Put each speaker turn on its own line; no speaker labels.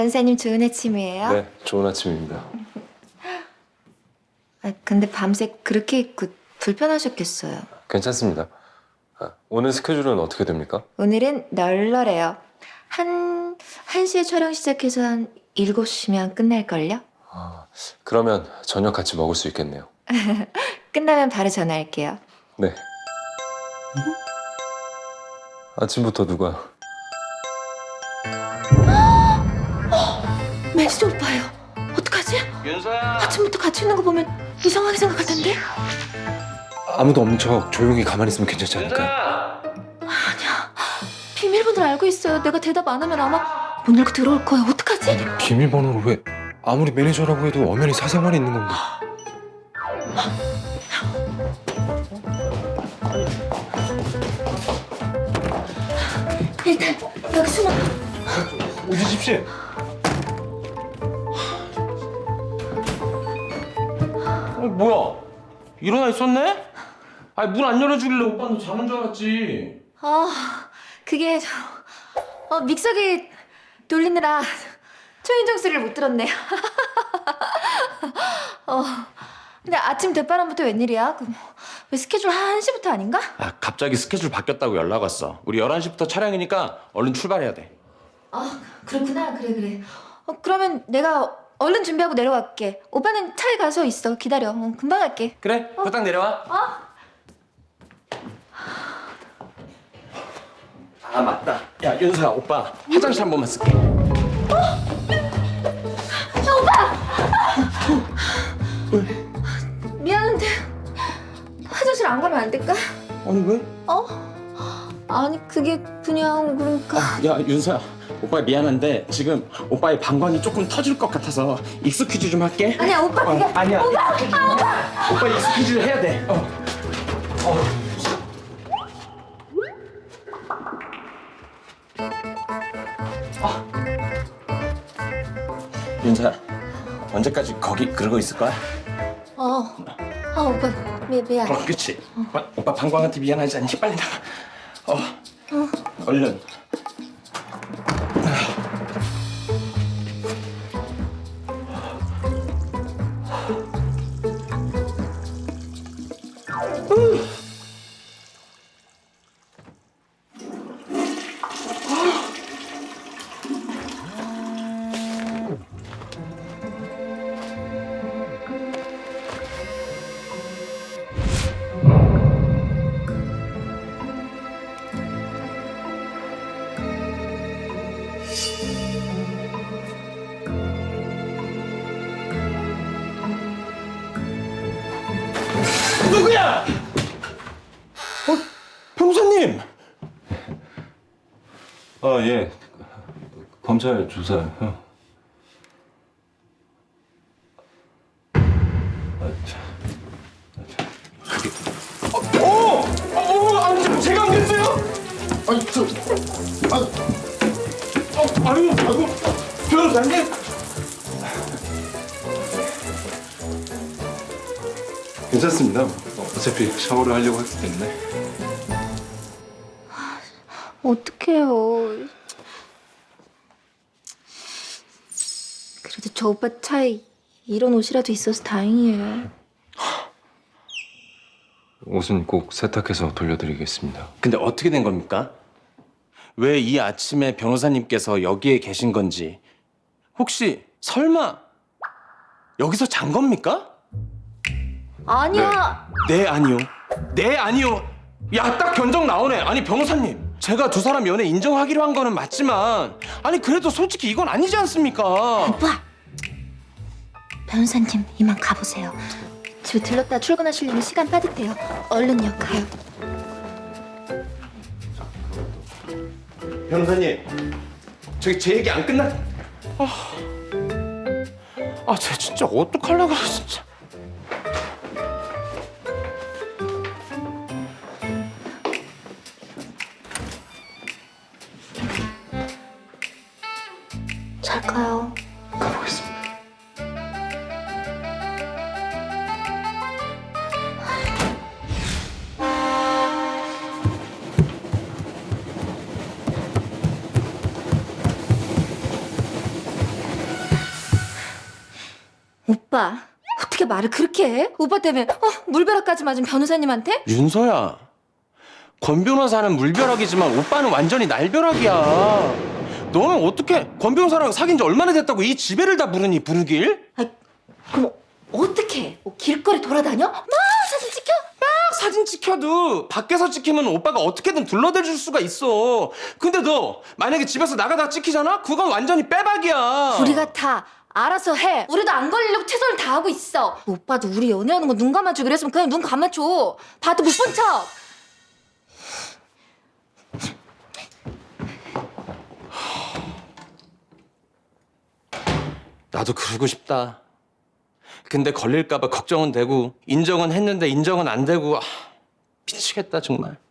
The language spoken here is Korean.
변사님 좋은 아침이에요?
네, 좋은 아침입니다.
근데 밤새 그렇게 입고 불편하셨겠어요.
괜찮습니다. 오늘 스케줄은 어떻게 됩니까?
오늘은 널널해요. 1시에 촬영 시작해서 한 7시면 끝날걸요?
그러면 저녁 같이 먹을 수 있겠네요.
끝나면 바로 전화할게요.
네. 아침부터 누가?
매니저 오빠예요. 어떡하지?
윤서야.
아침부터 같이 있는 거 보면 이상하게 생각할 텐데?
아무도 없는 척 조용히 가만히 있으면 괜찮지 않을까요?
윤서야.
비밀번호를 알고 있어요. 내가 대답 안 하면 아마 문 열고 들어올 거예요. 어떡하지?
비밀번호를 왜? 아무리 매니저라고 해도 엄연히 사생활이 있는 건데.
일단 여기 숨어.
우지집 씨.
뭐야? 일어나 있었네? 아니 문 안 열어주길래 오빠는 자는 줄 알았지.
그게 믹서기 돌리느라 초인종 소리를 못 들었네. 근데 아침 대바람부터 웬일이야? 왜 스케줄 1시부터 아닌가?
아 갑자기 스케줄 바뀌었다고 연락 왔어. 우리 11시부터 촬영이니까 얼른 출발해야 돼.
그렇구나. 그래. 그러면 내가 얼른 준비하고 내려갈게. 오빠는 차에 가서 있어. 기다려. 금방 갈게.
그래? 후딱 내려와. 아 맞다. 야 윤서야 오빠 화장실 한 번만 쓸게.
미안한데 화장실 안 가면 안 될까?
아니 왜?
아니 그게 그냥 그러니까.
야 윤서야 오빠 미안한데 지금 오빠의 방광이 조금 터질 것 같아서 익스큐즈 좀 할게.
아니야 오빠 그게.
아니야. 오빠 익스큐즈를 해야 돼. 윤서야 언제까지 거기 그러고 있을 거야?
오빠 미안.
그치. 오빠 방광한테 미안하지 않니? 빨리 나가. 얼른. 누구야? 변호사님.
예. 검찰 조사요.
아니 제가 안 그랬어요? 아이고 변호사님.
괜찮습니다. 어차피 샤워를 하려고 했기 때문에.
어떡해요. 그래도 저 오빠 차에 이런 옷이라도 있어서 다행이에요.
옷은 꼭 세탁해서 돌려드리겠습니다.
근데 어떻게 된 겁니까? 왜 이 아침에 변호사님께서 여기에 계신 건지 혹시 설마 여기서 잔 겁니까?
아니야.
네 아니요. 네 아니요. 야 딱 견적 나오네. 아니 변호사님 제가 두 사람 연애 인정하기로 한 거는 맞지만 아니 그래도 솔직히 이건 아니지 않습니까?
오빠. 변호사님 이만 가보세요. 집에 들렀다 출근하시려면 시간 빠듯해요. 얼른요 가요.
변호사님 저기 제 얘기 안 끝났... 쟤 진짜 어떡하려고 그래 진짜.
잘 가요.
가보겠습니다.
오빠 어떻게 말을 그렇게 해? 오빠 때문에 물벼락까지 맞은 변호사님한테?
윤서야, 권 변호사는 물벼락이지만 오빠는 완전히 날벼락이야. 너는 어떻게 권 변호사랑 사귄 지 얼마나 됐다고 이 지배를 다 부르니, 부르길?
아, 그럼 어떻게 해? 뭐 길거리 돌아다녀? 막 사진 찍혀?
딱 사진 찍혀도 밖에서 찍히면 오빠가 어떻게든 둘러댈 수가 있어. 근데 너 만약에 집에서 나가다가 찍히잖아? 그건 완전히 빼박이야.
우리가 다 알아서 해. 우리도 안 걸리려고 최선을 다하고 있어. 오빠도 우리 연애하는 거 눈 감아주기로 그랬으면 그냥 눈 감아줘. 봐도 못 본 척.
나도 그러고 싶다. 근데 걸릴까봐 걱정은 되고 인정은 했는데 인정은 안 되고 미치겠다 정말.